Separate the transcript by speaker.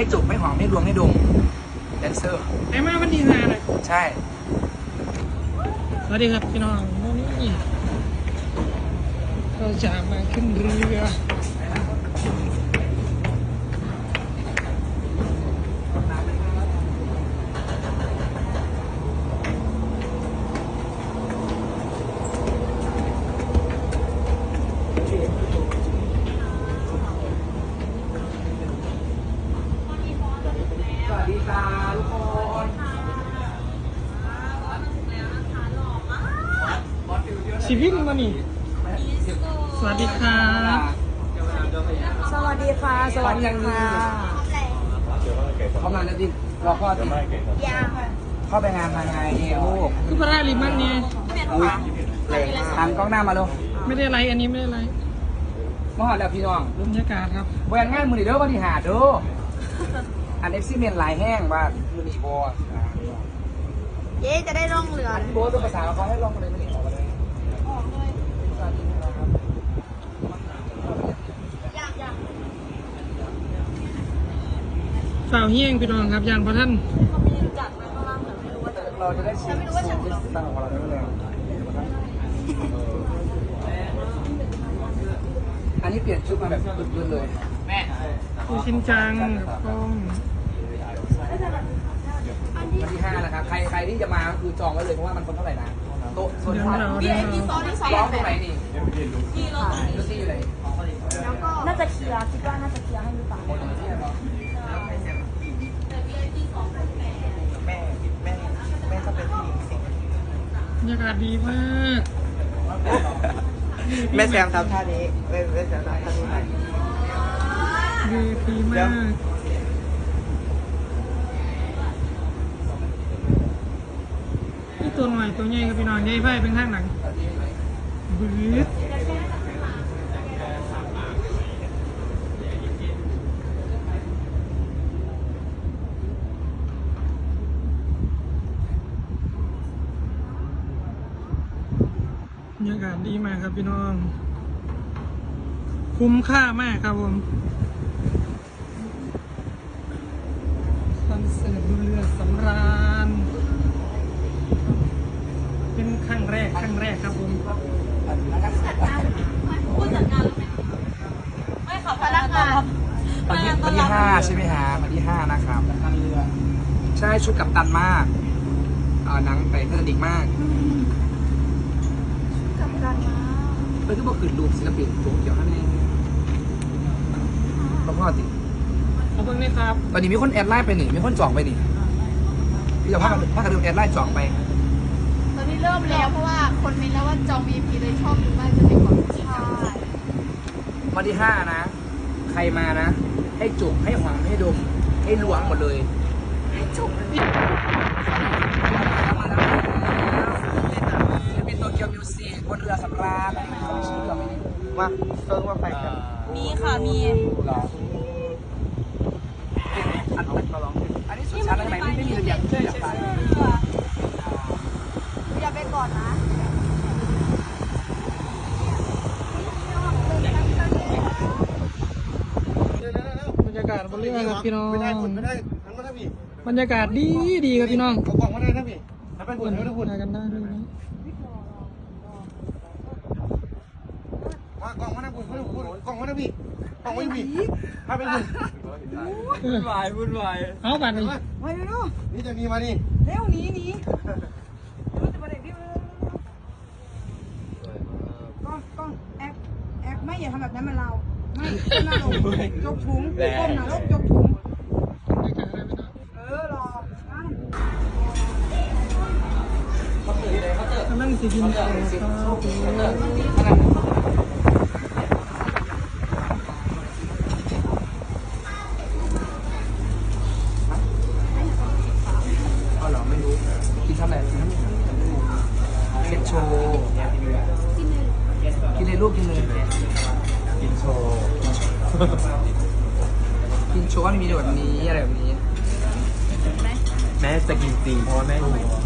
Speaker 1: จุกให้หอมให้รวมให้ดมแดนเซอร์
Speaker 2: ไอ้มาวันที่5นะ
Speaker 1: ใช่
Speaker 2: สวัสดีครับพี่น้องนี่เราจะมาขึ้นเรือชีวิตมันนี่สวัสดีครับ
Speaker 3: สวัสดีค่ะสวัสดีค่ะ
Speaker 1: เข้ามาแล้วดิรอข้อดิเข้าไปงานมาไงลูก
Speaker 2: คือพระราลิมันเนี่ย
Speaker 1: หันกล้องหน้ามาลูก
Speaker 2: ไม่ได้ไรอันนี้ไม่ได้ไร
Speaker 1: มหาแล้วพี่น้อง
Speaker 2: บรรยากาศครับ
Speaker 1: แหวนงานมือนี่เด้อวันที่หาเด้ออันเอ็กซิเมนลายแห้งว่ามือนี่บอ
Speaker 3: เย้จะได้ล่องเรือ
Speaker 1: โบตัวภาษาเขาให้ลองมาเลยมือนี่ออกมาเลย
Speaker 2: ฝ่าวเฮี้ยงพี่น้องครับยานพระท่าน
Speaker 1: เราจะได้ชิมตั้งของเราได้เลยอันนี้เปลี่ยนชุดมาแบบพื้นๆเลยแม่
Speaker 2: คือชินจังกล้อง
Speaker 1: วันที่5นะครับใครที่จะมาคือจองไว้เลยเพราะว่ามันคนเท่าไหร่นะโต๊ะโซนที่ร้องตรงไหนนี่ที่รถที่อยู่ไหน
Speaker 3: น่าจะเคลียร์คิดว่าน่าจะเคลียร์ให้หรือเปล่า
Speaker 1: แม่ก็เป็นผู้หญิงสิ
Speaker 2: บรรยากาศดีมาก
Speaker 1: แม่แซมทำท่านี้แม่แซมทำท่านี้
Speaker 2: ดีมากนี่ตัวหน่อยตัวใหญ่กับพี่น้องใหญ่ไพ่เป็นข้างหลังบึ้ดบรรยากาศดีมากครับพี่น้องคุ้มค่ามากครับผมคอนเสิร์ตดูเรือสำราญเป็นครั้งแรกครับผม
Speaker 3: ผู้จัดงานไม่ค่ะพนักงาน
Speaker 1: วันที่5ใช่ไหมฮะวันที่5นะครับใช่ชุดกับตันมากหนังไปเทคนิคมากเพื่อนก็บอกขืนรูปศิลปินโจ๊กเกี่ยวกับนี่พ่อติ
Speaker 2: เอาเพิ่งนี่ครับ
Speaker 1: ตอนนี้มีคนแอดไลน์ไปหนิมีคนจองไปหนิพี่จะพากันดูแอดไลน์จองไป
Speaker 3: ตอนนี้เริ่มแล้วเพราะว่าคนมีแล้วว่าจอง VIP เลยชอบดูมากจะเป็นของใช่
Speaker 1: วันที่5นะใครมานะให้จุกให้หวังให้ดมให้ล้วงหมดเลย
Speaker 3: ให้จุก
Speaker 1: เป็นโตเกียวมิวสิกบนเรือสำราญเขาไม่ชื่อเราไม่ได้ว่าเซิร์ฟว่าไปกัน
Speaker 3: มีค่ะมี
Speaker 1: หรออันนี้สุดชั้นอะไรไหมไม่มีระเบียบอยากไป
Speaker 3: อย่าไปก่อนนะ
Speaker 2: บรรยากาศบนเรือครับพี่น้องบรรยากาศดีครับพี่น้อง
Speaker 1: กล่องมาได้นะพี่ถ้าไปหุ่นถ้าหุ่น
Speaker 2: กันได้ด้วยนะ
Speaker 1: กล่องมาได้หุ่นกล่องมาได้พี่กล่องมาพี่ถ้าไปหุ่นวุ่นวาย
Speaker 2: เอาบัตรนี่
Speaker 3: มาเร็ว
Speaker 1: นี่จะมีมานี่
Speaker 3: เร็วหนีกล้องแอกไม่อย่าทำแบบนั้นมาเราไม่ก้มหน้าลงจกถุงก้มหน้าลงจกถุงรอ
Speaker 2: กำลังสิกินข้าว
Speaker 1: ไม่รู้กินเท่าไหร่เก็ตโชว์กินเลยลูกกินเลยกินโชว์ว่ามีแบบนี้อะไรแบบนี้แม่จะกินจริงเพราะว่าแม่รู้